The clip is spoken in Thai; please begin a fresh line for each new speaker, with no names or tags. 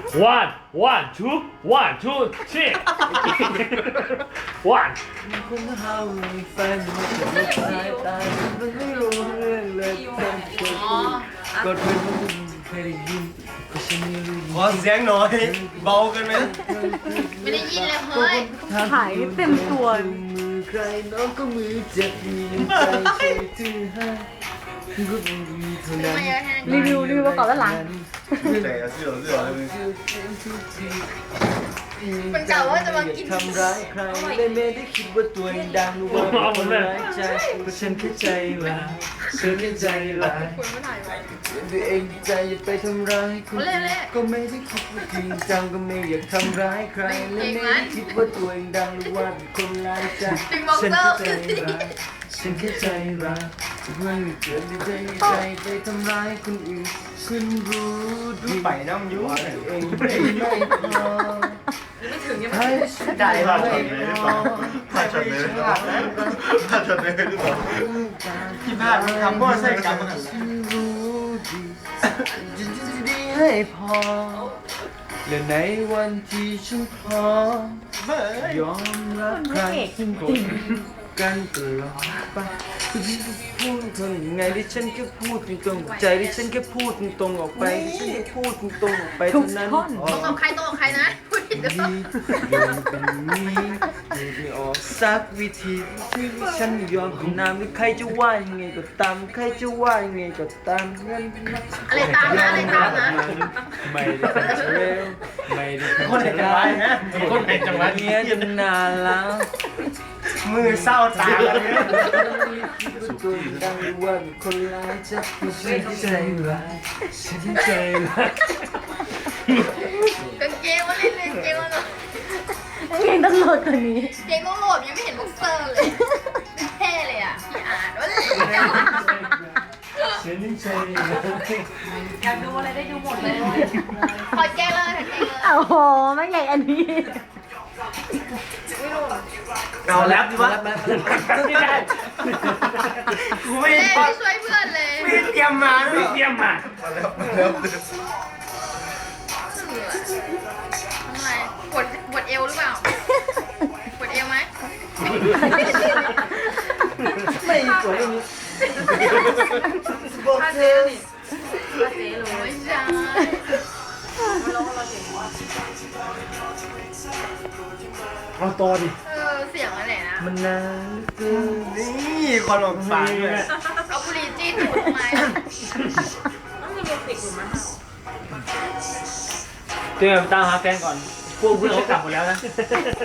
one one two one two three one
คนเฮามีแฟนมันจะไม่ตายตายมันไม่รู้เรื่องเลยแฟนเกิดก็เคยได้ยินก็ฉันไม่รู้
ขอเสียงหน่อยเบากันไหม
ไม่ได้ยินเลยเฮ้ย
หายเต็มตัว
มือใครน้องก็มือเจ็บมีใจใช่ที่ให้ก็มีเท่านั้น
มาเยอะแค่นั้น
รีวิวมาก่อนแล้วหลัง
แต่เสื้อเลย
มันกล่าวว่าจะมากิน
ทำร้ายใครเลยไม่ได้คิดว่าตัวเองดังหรือว่าคนร้ายใจเพราะฉันแค่ใจร้ายฉันแค่ใจร้าย
คุณไม่ถ่ายไว้
ตัวเองใจอย่าไปทำร้ายคนอื่นก็ไม่ได้คิดว่าจริงจังก็ไม่อยากทำร้ายใครและไม่ได้คิดว่าตัวเองดังหรือว่าเป็นคนร้ายใจฉันแค่ใจร้ายฉันแค่ใจร้ายไม่เกิดใจใจไปทำร้ายคนอื่นคุณรู้ดี
ไปน้ำยุ่ง
ว่าตัวเองไม่พอให้ฉัน
ได้
ได้
ภาพ
ไม่
ช็อตเลยหรือ
พ
เปล่า
อ
ภาพช็อตเลยหรือเปล่าภาพช็อตเลยหรือเปล่าที่บ้านทำพ่อใส่กรรมกัน
ฉันรู้ดีจะดีให้พอและในวันที่ฉันพอยอมรับใครซึ่งคนกันตลอดไปคือที่พูดเธอยังไงที่ฉันแค่พูดตรงๆใจที่ฉันแค่พูดตรงๆออกไปที่ฉันแค่พูดตรงๆออกไปเท่านั้น
ตรงกับใครตรงกับใครนะพูดผิดหรือเปล่า
ยังเป็นนี้ไม่ออกสักวิธีที่ฉันไม่ยอมกินน้ำหรือใครจะว่ายังไงก็ตามใครจะว่ายังไงก็ตามงั้น
อะไรตามนะอะไรตามนะ
ไม่ได้เป็นเร็วไม่ได้เป็น
คนไหนจังหวะฮะคนไหนจังหวะ
เนี้ยจนนานแล้ว
มือเศร้าตาเลย
ตัวดังว่าคนร้ายจะไม่ใช่ใจร้ายฉันใจร้าย
กางเกงว่าเล่นเลยกางเกงว่าเนาะ
เพลงต้องโหลดกว่านี้
เกงต้องโหลดยังไม่เห็นบ็อกเซอร์เลยเท่เลยอ่ะพี่อ่านว่าเลย
ฉันใจ
อยากดูอะไรได้ดูหมดเลยถอดแก้เลยถอดแก้เลย
โอ้โหไม่ใหญ่อันนี้
เอาแล้วดิวะ
ไม่ได้
กูไม่
เล่ไม่ช่วยเพื่อนเลย
ไม่เตรียมมาด้ว
ไม่
ย
เตรียมมา
แล้ว
ทำไมปวดเอวหรือเปล่าปวดเอวไหม
ไม่สวยนี้
ถ้าเจ๊นี่ถ้าเจ๊เลยไม่ใช่
เอาต่อดิ
เสียงอะไรนะ
มันนานเกิน
นี่คนออกปากด้วย
เอาบุหรี่จี้ตูดทำไม
เตรียมตามหาแฟนก่อน พวกเพื่อนเขากลับหมดแล้วนะ